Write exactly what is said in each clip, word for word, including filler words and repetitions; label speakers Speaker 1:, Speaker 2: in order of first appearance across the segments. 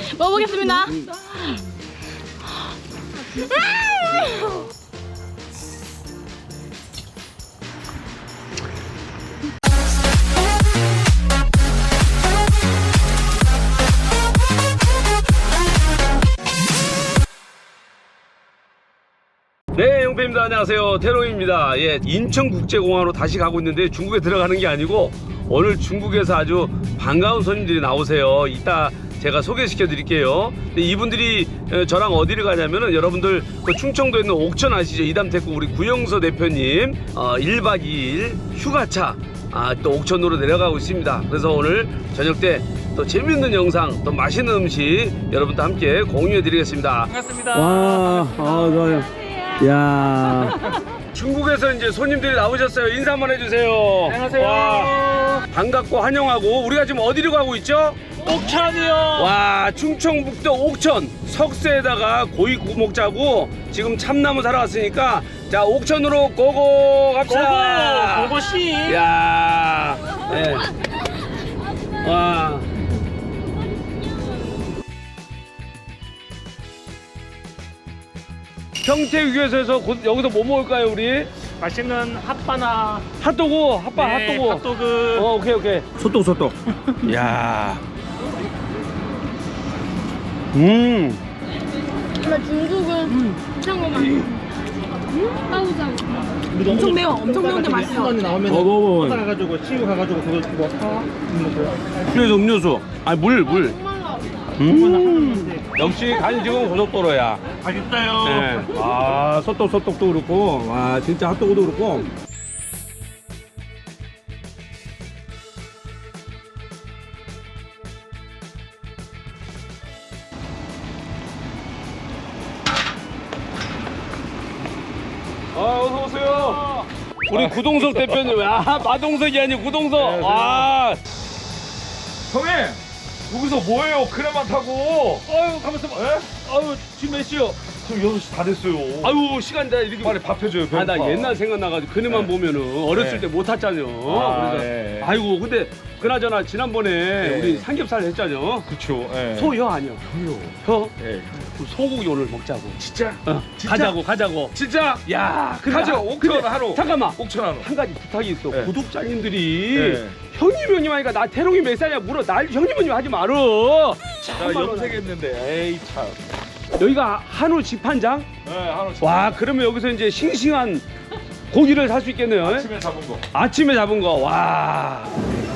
Speaker 1: 먹어보겠습니다.
Speaker 2: 네, 용패입니다. 안녕하세요. 태롱입니다. 예, 인천국제공항으로 다시 가고 있는데 중국에 들어가는 게 아니고 오늘 중국에서 아주 반가운 손님들이 나오세요. 이따 제가 소개시켜 드릴게요. 근데 이분들이 저랑 어디를 가냐면은 여러분들 그 충청도에 있는 옥천 아시죠? 이담택구 우리 구영서 대표님 어, 일 박 이 일 휴가차 아, 또 옥천으로 내려가고 있습니다. 그래서 오늘 저녁 때 또 재밌는 영상, 또 맛있는 음식 여러분도 함께 공유해 드리겠습니다.
Speaker 3: 반갑습니다.
Speaker 2: 와, 아, 좋아요. 야, 중국에서 이제 손님들이 나오셨어요. 인사 한번 해주세요.
Speaker 3: 안녕하세요.
Speaker 2: 와, 반갑고 환영하고 우리가 지금 어디로 가고 있죠?
Speaker 3: 옥천이요.
Speaker 2: 와, 충청북도 옥천 석쇠에다가 고깃국 짜고 지금 참나무 사러 왔으니까 자 옥천으로 고고 갑시다.
Speaker 3: 고고 고고씨.
Speaker 2: 야, 네. 와. 평택유교에서 여기서 뭐 먹을까요 우리?
Speaker 3: 맛있는 핫바나.
Speaker 2: 핫도그, 핫바,
Speaker 3: 네,
Speaker 2: 핫도그.
Speaker 3: 핫도그.
Speaker 2: 어, 오케이, 오케이. 소떡, 소떡. 야. 음.
Speaker 1: 나 중국은 이상한 거 엄청 매워. 엄청 매운데 맛있어.
Speaker 3: 나오면
Speaker 2: 어, 먹어.
Speaker 3: 가가지고 치유 가가지고 그거 뭐 사.
Speaker 2: 음료수, 음료수. 아니, 물, 물. 음. 역시 간식은 고속도로야.
Speaker 3: 맛있어요.
Speaker 2: 네. 아, 소떡, 소떡도 그렇고. 와, 진짜 핫도그도 그렇고. 아, 어서 오세요. 우리 구동석 대표님. 아, 마동석이 아니고 구동석. 와.
Speaker 4: 형님! 여기서 뭐해요? 크레만 타고!
Speaker 2: 아유, 가만있어 봐. 아유, 지금 몇 시요?
Speaker 4: 지금 여섯 시 다 됐어요.
Speaker 2: 아유, 시간 다 이렇게.
Speaker 4: 빨리 밥 해줘요, 배고파.
Speaker 2: 아, 나 옛날 생각나가지고 그네만
Speaker 4: 네.
Speaker 2: 보면은 어렸을
Speaker 4: 네.
Speaker 2: 때 못 탔잖아요.
Speaker 4: 아,
Speaker 2: 그래서
Speaker 4: 네.
Speaker 2: 아이고, 근데 그나저나 지난번에
Speaker 4: 네.
Speaker 2: 우리 삼겹살 했잖아요.
Speaker 4: 그쵸, 예.
Speaker 2: 소혀 아니야?
Speaker 4: 소요.
Speaker 2: 혀?
Speaker 4: 예.
Speaker 2: 그럼 소고기 오늘 먹자고.
Speaker 4: 진짜?
Speaker 2: 어,
Speaker 4: 진짜?
Speaker 2: 가자고, 가자고.
Speaker 4: 진짜?
Speaker 2: 야, 근데
Speaker 4: 가죠.
Speaker 2: 하-
Speaker 4: 옥천
Speaker 2: 근데
Speaker 4: 하루.
Speaker 2: 잠깐만.
Speaker 4: 옥천 하루.
Speaker 2: 한 가지 부탁이 있어.
Speaker 4: 네.
Speaker 2: 구독자님들이
Speaker 4: 네.
Speaker 2: 형님 형님 하니까 나 태롱이 몇 살이야 물어. 날 형님 형님 하지 말어.
Speaker 4: 나
Speaker 2: 참말로.
Speaker 4: 염색했는데, 에이, 참.
Speaker 2: 여기가 한우 집한장?
Speaker 4: 네, 하루
Speaker 2: 와, 그러면 여기서 이제 싱싱한 고기를 살 수 있겠네요.
Speaker 4: 아침에 잡은 거.
Speaker 2: 아침에 잡은 거. 와.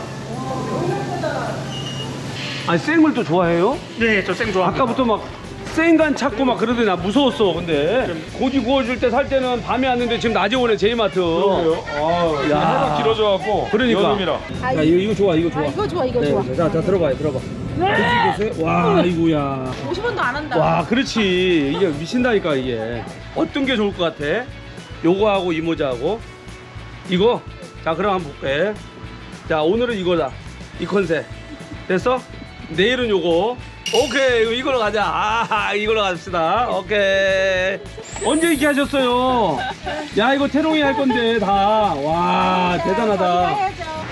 Speaker 2: 아니, 생물도 좋아해요?
Speaker 3: 네, 저 생 좋아합니다.
Speaker 2: 아까부터 막 생간 찾고 막 그러더니 나 무서웠어. 근데 고기 구워줄 때 살 때는 밤에 왔는데 지금 낮에 오네 제이마트.
Speaker 4: 그러게요. 아,
Speaker 2: 야.
Speaker 4: 하루 길어져갖고.
Speaker 2: 그러니까.
Speaker 4: 여름이라.
Speaker 2: 야, 이거, 이거 좋아, 이거 좋아.
Speaker 1: 아, 이거 좋아, 이거 좋아.
Speaker 2: 자, 자, 들어봐요, 들어봐. 네. 보세요. 와, 아이고야.
Speaker 1: 오십 원도 안 한다.
Speaker 2: 와, 그렇지. 이게 미친다니까, 이게. 어떤 게 좋을 것 같아? 요거하고 이 모자하고. 이거? 자, 그럼 한번 볼게. 자, 오늘은 이거다. 이 컨셉. 됐어? 내일은 요거. 오케이, 이거 이걸로 가자. 아, 이걸로 갑시다. 오케이. 언제 이렇게 하셨어요? 야, 이거 태롱이 할 건데, 다. 와, 대단하다.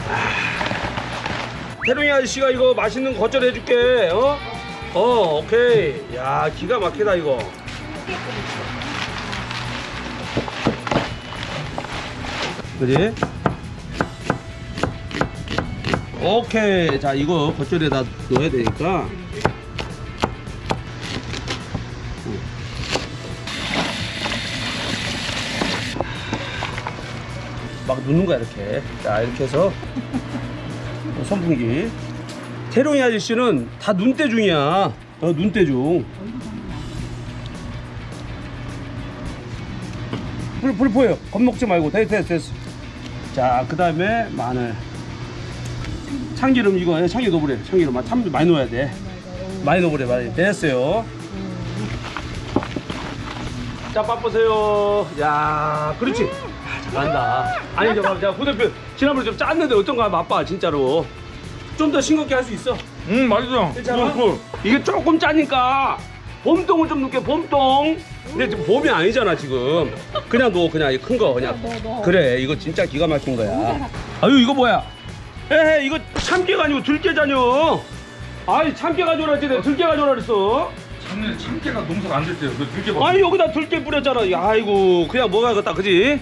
Speaker 2: 태룡이 아저씨가 이거 맛있는 겉절 해줄게. 어? 어, 오케이. 야, 기가 막히다 이거. 그지? 오케이. 자, 이거 겉절에다 넣어야 되니까. 막 넣는 거야 이렇게. 자, 이렇게 해서 선풍기. 태룡이 아저씨는 다 눈대 중이야. 어, 눈대 중. 불, 불 보여. 겁먹지 말고. 됐어, 됐어, 됐어. 자, 그 다음에 마늘. 참기름 이거, 참기름 넣어버려. 참기름 참 많이 넣어야 돼. 많이 넣어버려, 많이. 됐어요. 자, 맛보세요. 야, 그렇지. 아, 잘한다. 아니, 저 봐, 자, 후대표 지난번에 좀 짰는데 어떤가 맛봐, 진짜로. 좀 더 싱겁게 할 수 있어.
Speaker 4: 음, 맛있어.
Speaker 2: 괜찮아?
Speaker 4: 꿀, 꿀.
Speaker 2: 이게 조금 짜니까 봄동을 좀 넣게, 봄동. 근데 지금 봄이 아니잖아, 지금. 그냥 넣어, 그냥 이 큰 거 그냥. 그래, 이거 진짜 기가 막힌 거야. 아유, 이거 뭐야? 에헤, 이거 참깨가 아니고 들깨잖여. 아이 참깨 가져오라 했지 내가 들깨 가져오라 그랬어.
Speaker 4: 작년에 참깨가 농사가 안 될 때요. 그 들깨 봐.
Speaker 2: 아니 여기다 들깨 뿌렸잖아. 아이고 그냥 먹어야겠다 그지?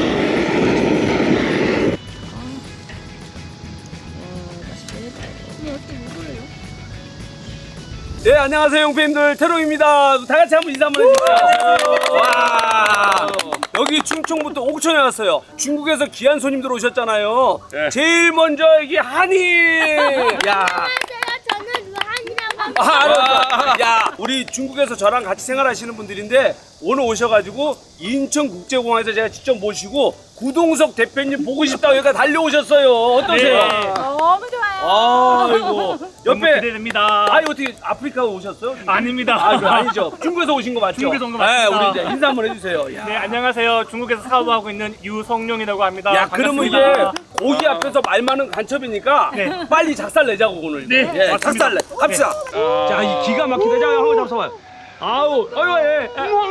Speaker 2: 네 안녕하세요 용팬들 태롱입니다. 다 같이 한번 인사 한번 해주세요. 와 여기 충청부터 옥천에 왔어요. 중국에서 귀한 손님들 오셨잖아요.
Speaker 4: 네.
Speaker 2: 제일 먼저 여기 한이. 야.
Speaker 5: 저는 유한이라고 합니다.
Speaker 2: 아, 알았어. 야, 우리 중국에서 저랑 같이 생활하시는 분들인데 오늘 오셔가지고 인천국제공항에서 제가 직접 모시고 구동석 대표님 보고 싶다고 여기가 달려오셨어요. 어떠세요?
Speaker 3: 네.
Speaker 1: 너무 좋아요.
Speaker 2: 아이고
Speaker 3: 너무
Speaker 2: 옆에
Speaker 3: 기대됩니다.
Speaker 2: 아니 어떻게 아프리카 오셨어요?
Speaker 3: 아닙니다.
Speaker 2: 아, 그거 아니죠. 중국에서 오신 거 맞죠?
Speaker 3: 중국에서 온거 맞습니다.
Speaker 2: 네, 우리 이제 인사 한번 해주세요. 야,
Speaker 3: 네, 안녕하세요. 중국에서 사업하고 있는 유성룡이라고 합니다.
Speaker 2: 야 그러면 이제
Speaker 3: 반갑습니다.
Speaker 2: 고기 앞에서 말 많은 간첩이니까
Speaker 3: 네.
Speaker 2: 빨리 작살 내자고 오늘.
Speaker 3: 네,
Speaker 2: 예,
Speaker 3: 맞습니다.
Speaker 2: 작살 내. 갑시다. 자, 이 기가 막히다. 자, 한번 잡숴봐요. 아우, 아유, 예.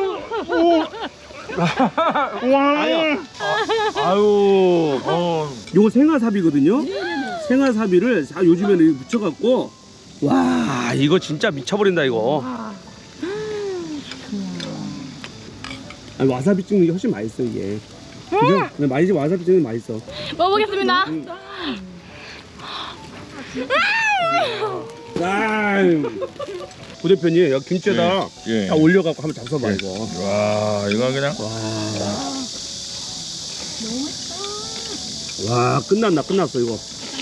Speaker 2: 아니요. 아유,
Speaker 3: 어,
Speaker 2: 요거 생화사비거든요. 생화사비를 자 요즘에는 이렇게 묻혀갖고 와 이거 진짜 미쳐버린다 이거. 아니, 와사비 찍는 게 훨씬 맛있어 이게. 그죠? 근데 맛이지 와사비 찍는 게 맛있어.
Speaker 1: 먹어보겠습니다.
Speaker 2: 아, 고 대표님 여기 김치에다
Speaker 4: 예.
Speaker 2: 딱 올려갖고 한번 잡숴봐
Speaker 4: 예.
Speaker 2: 이거.
Speaker 4: 와, 이거 그냥.
Speaker 2: 와 끝났나 끝났어 이거.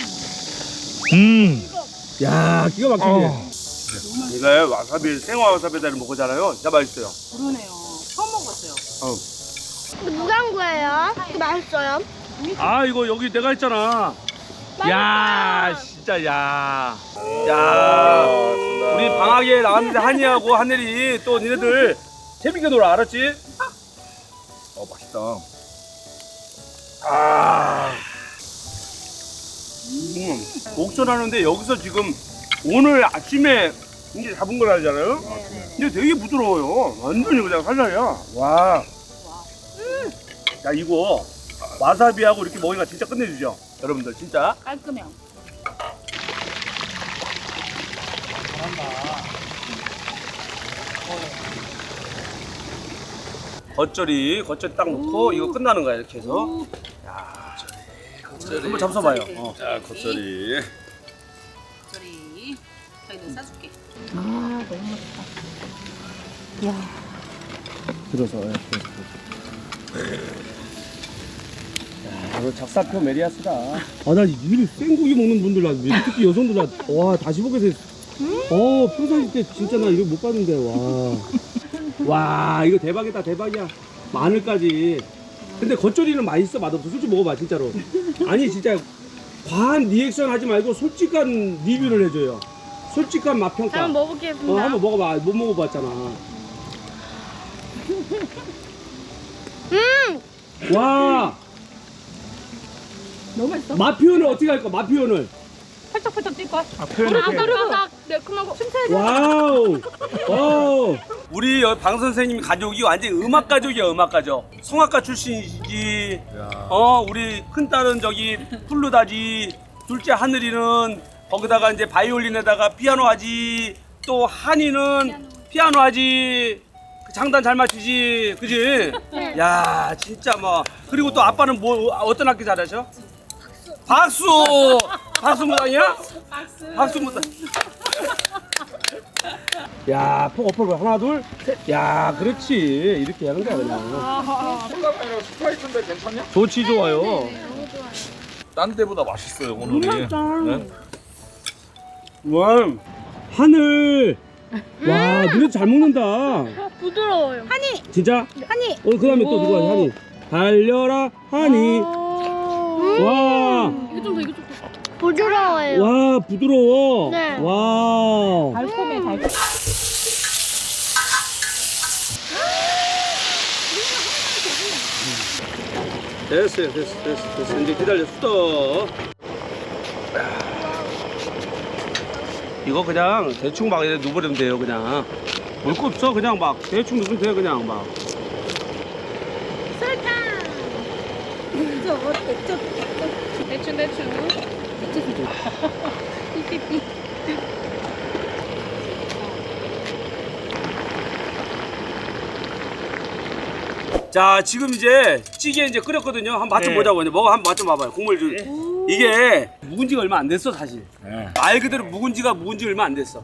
Speaker 4: 음.
Speaker 2: 야 기가 막히지.
Speaker 4: 어.
Speaker 2: 이거 와사비 생화 와사비를 먹었잖아요. 진짜 맛있어요.
Speaker 1: 그러네요. 처음 먹었어요.
Speaker 5: 누가 한 거예요? 이거 맛있어요?
Speaker 2: 아 이거 여기 내가 했잖아. 야 진짜 야. 야 우리 방학에 나갔는데 한이하고 하늘이 또 니네들 재밌게 놀아 알았지?
Speaker 4: 어, 맛있다.
Speaker 2: 아. 음, 옥션하는데 여기서 지금 오늘 아침에 이제 잡은 거라잖아요. 근데 되게 부드러워요. 완전히 그냥 살살이야. 와. 야 이거 와사비하고 이렇게 먹으니까 진짜 끝내주죠. 여러분들 진짜.
Speaker 1: 깔끔해요.
Speaker 2: 겉절이 겉절이 딱 넣고 이거 끝나는 거야 이렇게 해서. 야. 한번 잡숴봐요. 어.
Speaker 4: 자, 겉절이.
Speaker 1: 저리 저희는 싸줄게.
Speaker 2: 들어서. 야, 이거 작사표 메리아스다. 아, 나 이리 생고기 먹는 분들, 나 특히 여성들, 나, 와, 다시 보게 돼. 어, 평상시 때 진짜 나 이거 못 봤는데, 와. 와, 이거 대박이다, 대박이야. 마늘까지. 근데 겉절이는 맛있어, 맛없어. 솔직히 먹어봐, 진짜로. 아니, 진짜 과한 리액션 하지 말고 솔직한 리뷰를 해줘요. 솔직한 맛 평가.
Speaker 5: 한번 먹어보겠습니다.
Speaker 2: 어, 한번 먹어봐. 못 먹어봤잖아.
Speaker 5: 음!
Speaker 2: 와,
Speaker 1: 너무 맛있어.
Speaker 2: 맛 표현을 어떻게 할까? 맛 표현을.
Speaker 1: 팔짝팔짝 뛸 거야.
Speaker 3: 아, 표현을
Speaker 5: 바삭바삭 매콤하고
Speaker 2: 와우, 와우. 우리 여- 방 선생님 가족이 완전 음악 가족이야, 음악 가족. 성악가 출신이지. 어, 우리 큰 딸은 저기 플루다지, 둘째 하늘이는 거기다가 이제 바이올린에다가 피아노 하지. 또 한이는 피아노 하지. 그 장단 잘 맞추지, 그지? 야, 진짜 뭐. 그리고 또 아빠는 뭐 어떤 악기 잘하셔? 박수. 박수. 박수 무당이야? 박수. 박수 무당. 야, 폭 어퍼 하나 둘 셋. 야, 그렇지. 이렇게 하는 거야 그냥.
Speaker 4: 스파이크인데 괜찮냐?
Speaker 2: 좋지 좋아요.
Speaker 4: 딴 데보다 맛있어요, 오늘이. 네?
Speaker 2: 와, 하늘. 와, 너네 잘 먹는다.
Speaker 5: 부드러워요.
Speaker 1: 한이
Speaker 2: 진짜?
Speaker 5: 한이.
Speaker 2: 어, 그다음에 또 누가 하니? 달려라 하니. 와,
Speaker 1: 이거 좀 더 이거 좀 더.
Speaker 5: 부드러워요.
Speaker 2: 와 부드러워.
Speaker 5: 네.
Speaker 2: 와.
Speaker 1: 달콤해 달콤.
Speaker 2: 됐어요, 됐어, 됐어, 됐어. 이제 기다려, 수도. 이거 그냥 대충 막 이렇게 누버리면 돼요, 그냥. 볼 거 없어, 그냥 막 대충 누르면 돼요, 그냥 막.
Speaker 1: 대충 대충.
Speaker 2: 자 지금 이제 찌개 이제 끓였거든요. 한번 맛 좀
Speaker 3: 네.
Speaker 2: 보자고. 이제 먹어 한번 맛 좀 봐봐요. 국물 좀.
Speaker 3: 네.
Speaker 2: 이게 묵은 지가 얼마 안 됐어 사실.
Speaker 4: 네.
Speaker 2: 말 그대로 묵은 지가 묵은 지 얼마 안 됐어.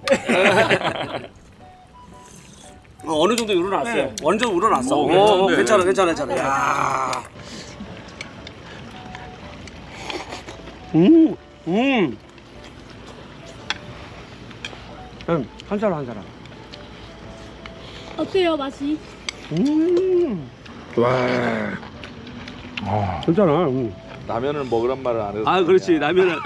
Speaker 2: 어, 어느 정도 우러났어요.
Speaker 3: 네.
Speaker 2: 어느 정도 우러났어.
Speaker 4: 오,
Speaker 2: 어,
Speaker 4: 괜찮은데.
Speaker 2: 괜찮아, 괜찮아, 괜찮아. 야. 음, 음. 음, 한 사람 한 사람.
Speaker 5: 어때요 맛이?
Speaker 2: 음. 와.
Speaker 4: 아,
Speaker 2: 괜찮아. 음.
Speaker 4: 라면을 먹으란 말을 안 해서.
Speaker 2: 아, 그렇지. 라면은.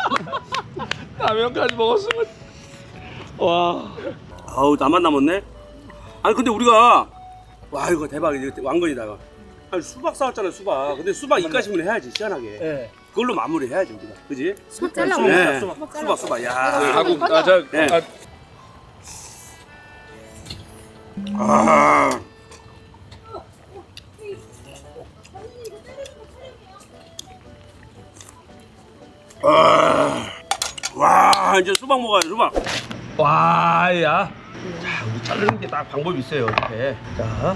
Speaker 4: 라면까지 먹었으면. 와.
Speaker 2: 아우, 나만 남았네. 아니, 근데 우리가 와 이거 대박이다. 왕건이다. 이거. 아니, 수박 사왔잖아, 수박. 근데 수박 이까지만 해야지 시원하게.
Speaker 3: 네.
Speaker 2: 그걸로 마무리 해야지 우리가. 그지?
Speaker 1: 수박 잘라.
Speaker 3: 수박,
Speaker 2: 네.
Speaker 3: 수박.
Speaker 2: 수박, 수박. 야.
Speaker 4: 하고 아, 저,
Speaker 2: 네.
Speaker 4: 아,
Speaker 2: 아. 아. 와, 이제 수박 먹어야 돼, 수박. 와, 야. 자, 우리 자르는 게 딱 방법이 있어요, 이렇게. 자.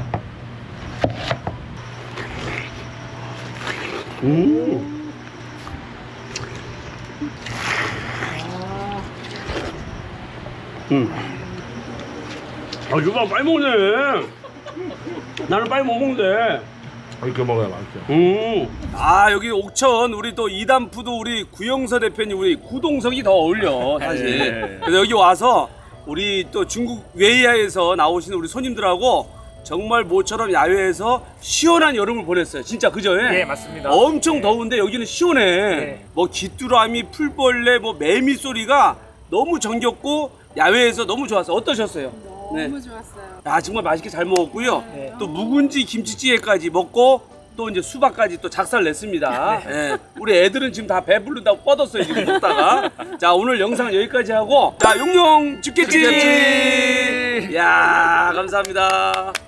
Speaker 2: 음. 음. 아, 수박 빨리 먹네. 나는 빨리 못 먹는데.
Speaker 4: 이렇게 먹어야 맛있죠.
Speaker 2: 음. 아 여기 옥천 우리 또 이담푸드 우리 구영서 대표님 우리 구동석이 더 어울려 사실.
Speaker 4: 네.
Speaker 2: 그래서 여기 와서 우리 또 중국 웨이하에서 나오시는 우리 손님들하고 정말 모처럼 야외에서 시원한 여름을 보냈어요. 진짜 그죠?
Speaker 3: 예, 맞습니다.
Speaker 2: 엄청
Speaker 3: 네.
Speaker 2: 더운데 여기는 시원해.
Speaker 3: 네.
Speaker 2: 뭐 귀뚜라미, 풀벌레, 뭐 매미 소리가 너무 정겹고 야외에서 너무 좋았어요. 어떠셨어요?
Speaker 1: 너무 좋았어요.
Speaker 2: 아 정말 맛있게 잘 먹었고요.
Speaker 3: 네.
Speaker 2: 또 묵은지 김치찌개까지 먹고 또 이제 수박까지 또 작살 냈습니다. 예. 우리 애들은 지금 다 배부른다고 뻗었어요 지금 먹다가. 자 오늘 영상 여기까지 하고 자 용용 죽겠지.
Speaker 4: 죽겠지.
Speaker 2: 야 감사합니다.